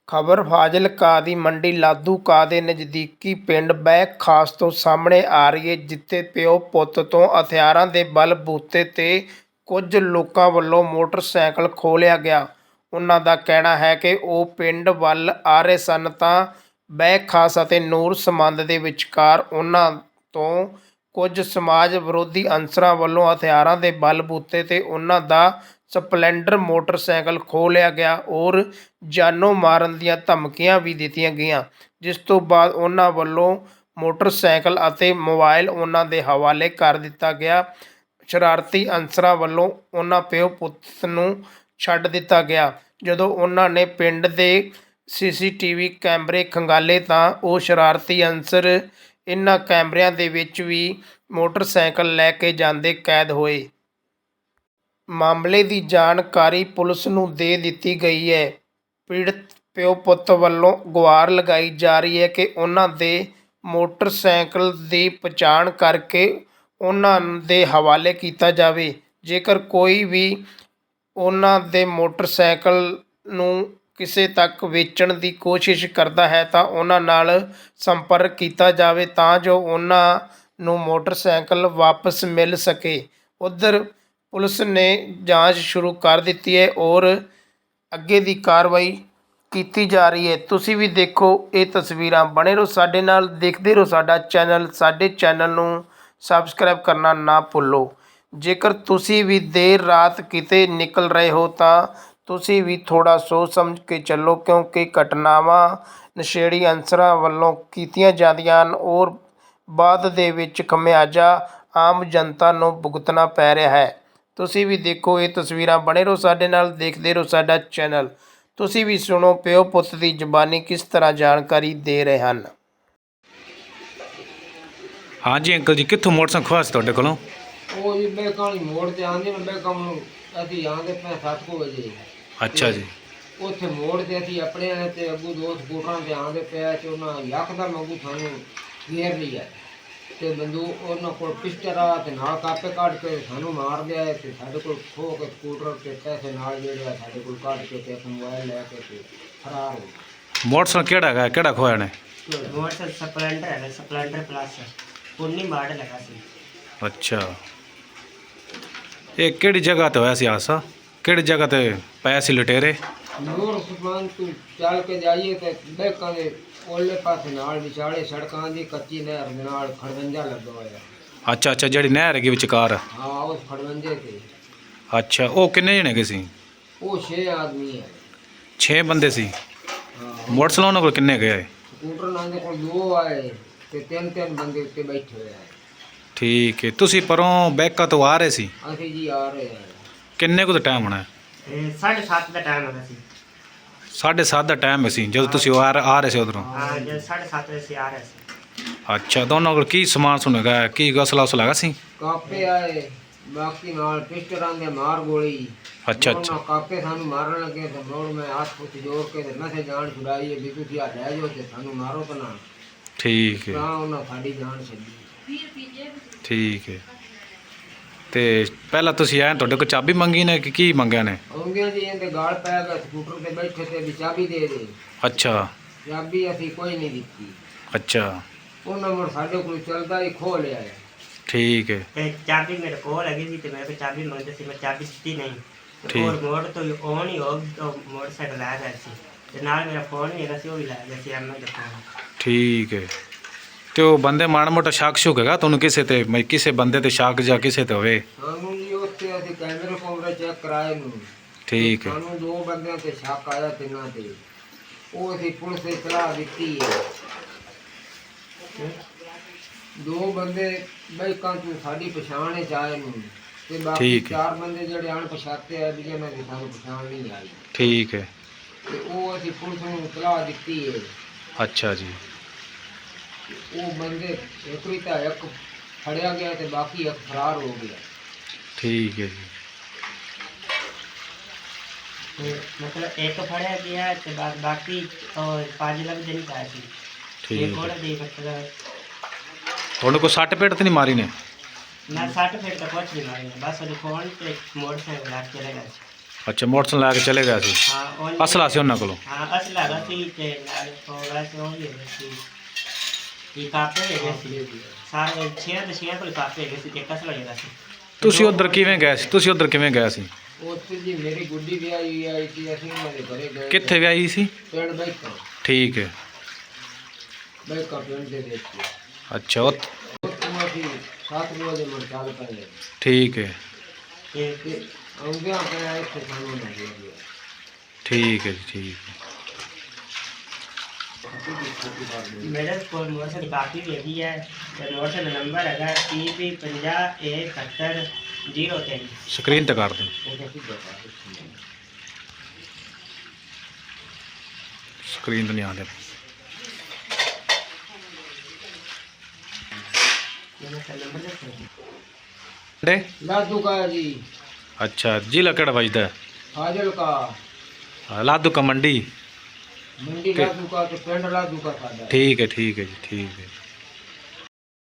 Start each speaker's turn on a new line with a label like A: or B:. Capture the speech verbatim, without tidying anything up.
A: ਖਬਰ ਫਾਜ਼ਿਲਕਾ ਦੀ ਮੰਡੀ ਲਾਧੂਕਾ ਦੇ ਨਜ਼ਦੀਕੀ ਪਿੰਡ ਬਹਿ ਖਾਸ ਤੋਂ ਸਾਹਮਣੇ ਆ ਰਹੀ ਹੈ, ਜਿੱਥੇ ਪਿਓ ਪੁੱਤ ਤੋਂ ਹਥਿਆਰਾਂ ਦੇ ਬਲ ਬੂਤੇ ਤੇ ਕੁਝ ਲੋਕਾਂ ਵੱਲੋਂ ਮੋਟਰਸਾਈਕਲ ਖੋਹ ਲਿਆ ਗਿਆ। ਉਹਨਾਂ ਦਾ ਕਹਿਣਾ ਹੈ ਕਿ ਉਹ ਪਿੰਡ ਵੱਲ ਆ ਰਹੇ ਸਨ ਤਾਂ ਬਹਿ ਖਾਸ ਅਤੇ ਨੂਰ ਸਮੰਦ ਦੇ ਵਿਚਕਾਰ ਉਹਨਾਂ ਤੋਂ ਕੁਝ ਸਮਾਜ ਵਿਰੋਧੀ ਅਨਸਰਾਂ ਵੱਲੋਂ ਹਥਿਆਰਾਂ ਦੇ ਬਲ ਬੂਤੇ ਤੇ ਉਹਨਾਂ ਦਾ ਸਪਲੈਂਡਰ ਮੋਟਰਸਾਈਕਲ ਖੋਹ ਲਿਆ ਗਿਆ ਔਰ ਜਾਨੋਂ ਮਾਰਨ ਦੀਆਂ ਧਮਕੀਆਂ ਵੀ ਦਿੱਤੀਆਂ ਗਈਆਂ, ਜਿਸ ਤੋਂ ਬਾਅਦ ਉਹਨਾਂ ਵੱਲੋਂ ਮੋਟਰਸਾਈਕਲ ਅਤੇ ਮੋਬਾਈਲ ਉਹਨਾਂ ਦੇ ਹਵਾਲੇ ਕਰ ਦਿੱਤਾ ਗਿਆ। ਸ਼ਰਾਰਤੀ ਅਨਸਰਾਂ ਵੱਲੋਂ ਉਹਨਾਂ ਪਿਓ ਪੁੱਤ ਨੂੰ ਛੱਡ ਦਿੱਤਾ ਗਿਆ। ਜਦੋਂ ਉਹਨਾਂ ਨੇ ਪਿੰਡ ਦੇ ਸੀ ਸੀ ਟੀ ਵੀ ਕੈਮਰੇ ਖੰਗਾਲੇ ਤਾਂ ਉਹ ਸ਼ਰਾਰਤੀ ਅਨਸਰ ਇਹਨਾਂ ਕੈਮਰਿਆਂ ਦੇ ਵਿੱਚ ਵੀ ਮੋਟਰਸਾਈਕਲ ਲੈ ਕੇ ਜਾਂਦੇ ਕੈਦ ਹੋਏ। ਮਾਮਲੇ ਦੀ ਜਾਣਕਾਰੀ ਪੁਲਿਸ ਨੂੰ ਦੇ ਦਿੱਤੀ ਗਈ ਹੈ। ਪੀੜਤ ਪਿਓ ਪੁੱਤ ਵੱਲੋਂ ਗੁਹਾਰ ਲਗਾਈ ਜਾ ਰਹੀ ਹੈ ਕਿ ਉਹਨਾਂ ਦੇ ਮੋਟਰਸਾਈਕਲ ਦੀ ਪਛਾਣ ਕਰਕੇ ਉਹਨਾਂ ਦੇ ਹਵਾਲੇ ਕੀਤਾ ਜਾਵੇ। ਜੇਕਰ ਕੋਈ ਵੀ ਉਹਨਾਂ ਦੇ ਮੋਟਰਸਾਈਕਲ ਨੂੰ ਕਿਸੇ ਤੱਕ ਵੇਚਣ ਦੀ ਕੋਸ਼ਿਸ਼ ਕਰਦਾ ਹੈ ਤਾਂ ਉਹਨਾਂ ਨਾਲ ਸੰਪਰਕ ਕੀਤਾ ਜਾਵੇ ਤਾਂ ਜੋ ਉਹਨਾਂ ਨੂੰ ਮੋਟਰਸਾਈਕਲ ਵਾਪਸ ਮਿਲ ਸਕੇ। ਉੱਧਰ ਪੁਲਿਸ ਨੇ ਜਾਂਚ ਸ਼ੁਰੂ ਕਰ ਦਿੱਤੀ ਹੈ ਔਰ ਅੱਗੇ ਦੀ ਕਾਰਵਾਈ ਕੀਤੀ ਜਾ ਰਹੀ ਹੈ। ਤੁਸੀਂ ਵੀ ਦੇਖੋ ਇਹ ਤਸਵੀਰਾਂ, ਬਣੇ ਰਹੋ ਸਾਡੇ ਨਾਲ, ਦੇਖਦੇ ਰਹੋ ਸਾਡਾ ਚੈਨਲ। ਸਾਡੇ ਚੈਨਲ ਨੂੰ ਸਬਸਕ੍ਰਾਈਬ ਕਰਨਾ ਨਾ ਭੁੱਲੋ। ਜੇਕਰ ਤੁਸੀਂ ਵੀ ਦੇਰ ਰਾਤ ਕਿਤੇ ਨਿਕਲ ਰਹੇ ਹੋ ਤਾਂ ਤੁਸੀਂ ਵੀ ਥੋੜ੍ਹਾ ਸੋਚ ਸਮਝ ਕੇ ਚੱਲੋ, ਕਿਉਂਕਿ ਘਟਨਾਵਾਂ ਨਸ਼ੇੜੀ ਅਨਸਰਾਂ ਵੱਲੋਂ ਕੀਤੀਆਂ ਜਾਂਦੀਆਂ ਹਨ ਔਰ ਬਾਅਦ ਦੇ ਵਿੱਚ ਖਮਿਆਜਾ ਆਮ ਜਨਤਾ ਨੂੰ ਭੁਗਤਣਾ ਪੈ ਰਿਹਾ ਹੈ। ਤੁਸੀਂ ਵੀ ਦੇਖੋ ਇਹ ਤਸਵੀਰਾਂ, ਬਣੇ ਰਹੋ ਸਾਡੇ ਨਾਲ, ਦੇਖਦੇ ਰਹੋ ਸਾਡਾ ਚੈਨਲ। ਤੁਸੀਂ ਵੀ ਸੁਣੋ ਪਿਓ ਪੁੱਤ ਦੀ ਜ਼ੁਬਾਨੀ ਕਿਸ ਤਰ੍ਹਾਂ ਜਾਣਕਾਰੀ ਦੇ ਰਹੇ ਹਨ।
B: ਹਾਂਜੀ ਅੰਕਲ ਜੀ, ਕਿੱਥੋਂ ਮੋਟਰਸਾਈਕਲ ਖੋਇਆ ਸੀ ਤੁਹਾਡੇ ਕੋਲੋਂ?
C: ਉਹ ਜੀ ਮੈਂ ਕਾਲੀ ਮੋੜ ਤੇ ਆਂਦੇ ਨੇ, ਮੈਂ ਕੰਮ ਅਸੀਂ ਆਂਦੇ ਪਏ ਸੱਤ ਕੁ ਵਜੇ।
B: ਅੱਛਾ ਜੀ।
C: ਉੱਥੇ ਮੋੜ ਤੇ ਅਸੀਂ ਆਪਣੇ ਨੇ ਤੇ ਅੱਗੂ ਦੋ ਸਕੂਟਰਾਂ ਤੇ ਆਂਦੇ ਪਿਆ ਤੇ ਉਹਨਾਂ ਯਕਦਮ ਅੱਗੂ ਸਾਨੂੰ ਘੇਰ ਲਿਆ ਤੇ ਬੰਦੂਕ ਉਹਨਾਂ ਕੋਲ ਪਿਸਟਲ ਆ ਤੇ ਨਾਲ ਕਾਪੇ ਕੱਢ ਕੇ ਸਾਨੂੰ ਮਾਰ ਦਿਆ ਤੇ ਸਾਡੇ ਕੋਲ ਖੋਹ ਕੇ ਸਕੂਟਰ ਤੇ ਪੈਸੇ ਨਾਲ ਜਿਹੜੇ ਸਾਡੇ ਕੋਲ ਕੱਢ ਕੇ ਤੇ ਮੋਬਾਈਲ ਲੈ ਕੇ ਤੇ ਫਰਾਰ ਹੋ ਗਏ।
B: ਮੋਟਰਸਾਈਕਲ ਕਿਹੜਾ ਹੈਗਾ, ਕਿਹੜਾ ਖੋਇਆ ਨੇ?
D: ਮੋਟਰਸਾਈਕਲ ਸਪਲੈਂਡਰ ਹੈ, ਸਪਲੈਂਡਰ ਪਲੱਸ ਉੱਨੀ ਮਾਡਲ ਹੈਗਾ ਸੀ।
B: ਅੱਛਾ, ਇਹ ਕਿਹੜੀ ਜਗ੍ਹਾ ਤੇ ਹੋਇਆ ਸੀ ਹਾਦਸਾ? ਕਿਹੜੀ ਜਗ੍ਹਾ ਤੇ ਪਏ ਸੀ ਲੁਟੇਰੇ?
C: ਨੂਰ ਸੁਪਾਨ ਤੋਂ ਚੱਲ ਕੇ ਜਾਈਏ ਤੇ ਬੈਕਾਂ ਦੇ ਉਹਲੇ ਪਾਸੇ ਨਾਲ ਵਿਚਾਲੇ ਸੜਕਾਂ ਦੀ ਕੱਚੀ ਨਹਿਰ ਦੇ ਨਾਲ ਖੜਵੰਜਾ ਲੱਗਾ ਹੋਇਆ।
B: ਅੱਛਾ ਅੱਛਾ, ਜਿਹੜੀ ਨਹਿਰ ਹੈਗੀ ਵਿਚਕਾਰ?
C: ਹਾਂ, ਉਸ ਖੜਵੰਜੇ ਤੇ।
B: ਅੱਛਾ, ਉਹ ਕਿੰਨੇ ਜਣੇ ਗਏ ਸੀ?
C: ਉਹ ਛੇ ਆਦਮੀ ਹੈ।
B: ਛੇ ਬੰਦੇ ਸੀ।
C: ਹਾਂ,
B: ਮੋਟਰਸਾਈਕਲ ਉਹਨਾਂ ਕੋਲ ਕਿੰਨੇ ਗਏ?
C: ਸਕੂਟਰ ਨਾਲ ਦੇ ਕੋਲ ਦੋ ਆਏ ਤੇ ਤਿੰਨ ਤਿੰਨ ਬੰਦੇ ਉੱਤੇ ਬੈਠੇ ਹੋਏ ਆ।
B: ਠੀਕ ਹੈ, ਤੁਸੀਂ ਪਰੋਂ ਬੈਕਾ ਤੋਂ ਆ ਰਹੇ ਸੀ?
C: ਅਸੀਂ ਜੀ ਆ ਰਹੇ ਹਾਂ।
B: ਕਿੰਨੇ ਕੁ ਦਾ ਟਾਈਮ ਹੋਣਾ?
D: ਇਹ ਸਾਢੇ ਸੱਤ ਦਾ ਟਾਈਮ ਹੈਗਾ ਸੀ।
B: ਸਾਢੇ ਸੱਤ ਦਾ ਟਾਈਮ ਸੀ ਜਦੋਂ ਤੁਸੀਂ ਆ ਆ ਰਹੇ ਸੀ ਉਧਰੋਂ?
D: ਹਾਂ, ਜਦ ਸਾਢੇ ਸੱਤ ਵਜੇ ਅਸੀਂ ਆ ਰਹੇ ਸੀ।
B: ਅੱਛਾ, ਦੋਨਾਂ ਕੋਲ ਕੀ ਸਮਾਨ ਸੁਣੇਗਾ, ਕੀ ਗਸਲਾ ਉਸਲਾ ਹੈਗਾ ਸੀ?
C: ਕਾਪੇ ਆਏ, ਬਾਕੀ ਨਾਲ ਪਿਸਟਲਾਂ ਦੇ ਮਾਰ ਗੋਲੀ।
B: ਅੱਛਾ
C: ਉਹਨਾਂ
B: ਅੱਛਾ
C: ਕਾਪੇ ਸਾਨੂੰ ਮਾਰਨ ਲੱਗੇ ਤੇ ਮੋੜ ਮੈਂ ਹੱਥ ਪੁੱਤ ਜੋੜ ਕੇ ਤੇ ਮੈਂ ਜਾਨ ਛੁਡਾਈ ਵੀ ਤੁਸੀਂ ਆ ਲੈ ਜਾਓ ਤੇ ਸਾਨੂੰ ਮਾਰੋ ਤਾਂ ਨਾ।
B: ਠੀਕ ਹੈ
C: ਤਾਂ ਉਹਨਾਂ ਸਾਡੀ ਜਾਨ ਛੱਡੀ।
B: ਠੀਕ ਹੈ। ਤੇ ਪਹਿਲਾਂ ਤੁਸੀਂ ਆਏ, ਤੁਹਾਡੇ ਕੋਲ ਚਾਬੀ ਮੰਗੀ ਨੇ ਕਿ ਕੀ ਮੰਗਿਆ ਨੇ?
C: ਆਉਂਦਿਆਂ ਜੀ ਇਹਦੇ ਗਾਲ ਪੈ ਗਿਆ, ਸਕੂਟਰ ਤੇ ਬੈਠੇ ਤੇ ਵੀ ਚਾਬੀ ਦੇ ਦੇ।
B: ਅੱਛਾ
C: ਚਾਬੀ ਅਸੀਂ ਕੋਈ ਨਹੀਂ ਦਿੱਤੀ।
B: ਅੱਛਾ
C: ਉਹਨਾਂ ਮੁੜ ਸਾਡੇ ਕੋਲ ਚੱਲਦਾ ਹੀ ਖੋਹ ਲਿਆ।
B: ਠੀਕ ਹੈ।
D: ਤੇ ਚਾਬੀ ਮੇਰੇ ਕੋਲ ਹੈਗੀ ਸੀ ਤੇ ਮੈਂ ਕੋਈ ਚਾਬੀ ਮੰਗਦੇ ਸੀ, ਮੈਂ ਚਾਬੀ ਦਿੱਤੀ ਨਹੀਂ। ਤੇ
B: ਠੀਕ।
D: ਹੋਰ ਮੋੜ ਤੋਂ ਔਨ ਹੀ ਹੋ ਗਿਆ, ਮੋਟਰਸਾਈਕਲ ਲੈ ਗਿਆ ਸੀ ਤੇ ਨਾਲ ਮੇਰਾ ਫੋਨ ਵੀ ਹੈਗਾ ਸੀ, ਉਹ ਵੀ ਲੈ ਗਿਆ ਸੀ ਐਮ ਆਈ ਦਾ ਫੋਨ।
B: ਠੀਕ ਹੈ। ਤੇ ਉਹ ਬੰਦੇ ਮਾੜਾ ਮੋਟਾ ਸ਼ੱਕ ਸ਼ੁਕ ਹੈਗਾ ਤੁਹਾਨੂੰ ਕਿਸੇ ਤੇ, ਮੈਂ ਕਿਸੇ ਬੰਦੇ ਤੇ ਸ਼ੱਕ ਜਾਂ ਕਿਸੇ ਤੇ ਹੋਵੇ?
C: ਸਾਨੂੰ ਜੀ ਉੱਥੇ ਅਸੀਂ ਕੈਮਰੇ ਕੋਮਰੇ ਚੈੱਕ ਕਰਾਏ ਨੂੰ।
B: ਠੀਕ ਹੈ।
C: ਸਾਨੂੰ ਦੋ ਬੰਦਿਆਂ ਤੇ ਸ਼ੱਕ ਆਇਆ, ਤਿੰਨਾਂ ਤੇ। ਉਹ ਅਸੀਂ ਪੁਲਿਸ ਦੇ ਸਲਾਹ ਦਿੱਤੀ ਹੈ। ਦੋ ਬੰਦੇ ਬਾਈਕਾਂ ਤੋਂ ਸਾਡੀ ਪਛਾਣ ਚ ਆਏ ਨੂੰ ਤੇ ਬਾਕੀ ਚਾਰ ਬੰਦੇ ਜਿਹੜੇ ਅਣਪਛਾਤੇ ਆ ਜਿਹਨਾਂ ਦੀ ਸਾਨੂੰ ਪਛਾਣ ਨਹੀਂ ਆਈ।
B: ਠੀਕ ਹੈ।
C: ਤੇ ਉਹ ਅਸੀਂ ਪੁਲਿਸ ਨੂੰ ਸਲਾਹ ਦਿੱਤੀ ਹੈ।
B: ਅੱਛਾ ਜੀ।
C: ਉਹ ਬੰਦੇ ਇੱਕ ਵੀ ਤਾਂ ਇੱਕ ਫੜਿਆ ਗਿਆ ਤੇ ਬਾਕੀ ਇੱਕ ਫਰਾਰ ਹੋ ਗਿਆ।
B: ਠੀਕ ਹੈ ਜੀ।
D: ਤੇ ਮਤਲਬ ਇੱਕ ਫੜਿਆ ਗਿਆ ਤੇ ਬਾ- ਬਾਕੀ ਉਹ ਪੰਜ ਲੱਖ ਦਿਨ ਪਾਇਆ ਸੀ।
B: ਠੀਕ
D: ਇਹ
B: ਹੈ।
D: ਕੋਲ ਦੀ ਮਤਲਬ
B: ਤੁਹਾਨੂੰ ਕੋਈ ਸੱਟ ਪੇਟ ਤੇ ਨਹੀਂ ਮਾਰੀ ਨੇ?
D: ਮੈਂ ਸੱਟ ਫੇਟ ਤਾਂ ਕੁਛ ਨਹੀਂ ਮਾਰੀ, ਬਸ ਉਹਦੇ ਫੋਨ ਤੇ ਮੋਟਰਸਾਈਕਲ ਲੈ ਕੇ ਚਲੇ ਗਿਆ ਸੀ।
B: ਅੱਛਾ ਮੋਟਰਸਾਈਕਲ ਲੈ ਕੇ ਚਲੇ ਗਿਆ ਸੀ।
D: ਹਾਂ ਉਹਨੇ-
B: ਅਸਲਾ ਸੀ ਉਹਨਾਂ ਕੋਲੋਂ।
D: ਹਾਂ ਅਸਲਾ ਹੈਗਾ ਸੀ ਤੇ ਨਾਲ ਫੋੜਾ ਸੀ ਉਹ ਵੀ ਹੈਗਾ ਸੀ ਇਹ ਕਾਪੇ ਹੈਗੇ ਸੀ ਸਾਰੇ ਛੇ ਤੇ ਛੇ ਕੋਲ ਕਾਪੇ ਹੈਗੇ ਸੀ ਤੇ ਇੱਕ ਅਸਲਾ ਹੈਗਾ ਸੀ।
B: ਤੁਸੀਂ ਉਧਰ ਕਿਵੇਂ ਗਏ ਸੀ ਤੁਸੀਂ ਉਧਰ ਕਿਵੇਂ ਗਏ ਸੀ?
C: ਉੱਥੇ ਜੀ ਮੇਰੀ ਗੁੱਡੀ ਵੀ ਆਈ ਆਈ ਸੀ, ਅਸੀਂ ਉਹਨਾਂ ਦੇ ਘਰੇ ਗਏ।
B: ਕਿੱਥੇ ਵਿਆਹੀ ਸੀ?
C: ਪਿੰਡ ਬੈਠਾ
B: ਠੀਕ ਹੈ।
C: ਬੈਠਾ ਪਿੰਡ ਦੇ ਵਿੱਚ
B: ਅੱਛਾ ਉਹ
C: ਉੱਥੋਂ ਅਸੀਂ ਸੱਤ ਵਜੇ ਮੁੜ ਚੱਲ ਪਏ
B: ਠੀਕ ਹੈ
D: ਤੇ
C: ਤੇ ਆਉਂਦਿਆਂ ਪਿਆ ਇੱਥੇ ਸਾਨੂੰ ਨਾ ਗਿਆ।
B: ਠੀਕ ਹੈ ਜੀ ਠੀਕ ਹੈ।
D: ਮੇਰੇ ਕੋਲ ਮੋਟਰਸਾਈਕਲ ਦੀ ਕਾਪੀ ਵੀ ਹੈਗੀ ਹੈ ਤੇ ਮੋਟਰਸਾਈਕਲ ਦਾ ਨੰਬਰ ਹੈਗਾ ਟੀ ਪੀ ਪੰਜਾਹ ਏ ਇਕਹੱਤਰ ਜ਼ੀਰੋ ਤਿੰਨ।
B: ਸਕਰੀਨ ਤੇ ਕਰ ਦੇ ਸਕਰੀਨ ਤੇ ਨਹੀਂ ਆਉਂਦੇ।
D: ਨੰਬਰ ਦੱਸੋ
B: ਡੇ
C: ਲਾਦੂ ਕਾ ਜੀ
B: ਅੱਛਾ ਜ਼ਿਲ੍ਹਾ ਕਿਹੜਾ ਵੱਜਦਾ?
C: ਫਾਜ਼ਿਲ ਕਾ
B: ਹਾਂ, ਲਾਧੂ ਕਾ ਮੰਡੀ।
C: ਮੰਡੀ ਲਾਦੂ ਕਾ ਤੇ ਪਿੰਡ ਲਾਦੂ ਕਾ ਸਾਡਾ।
B: ਠੀਕ ਹੈ ਠੀਕ ਹੈ ਜੀ ਠੀਕ ਹੈ।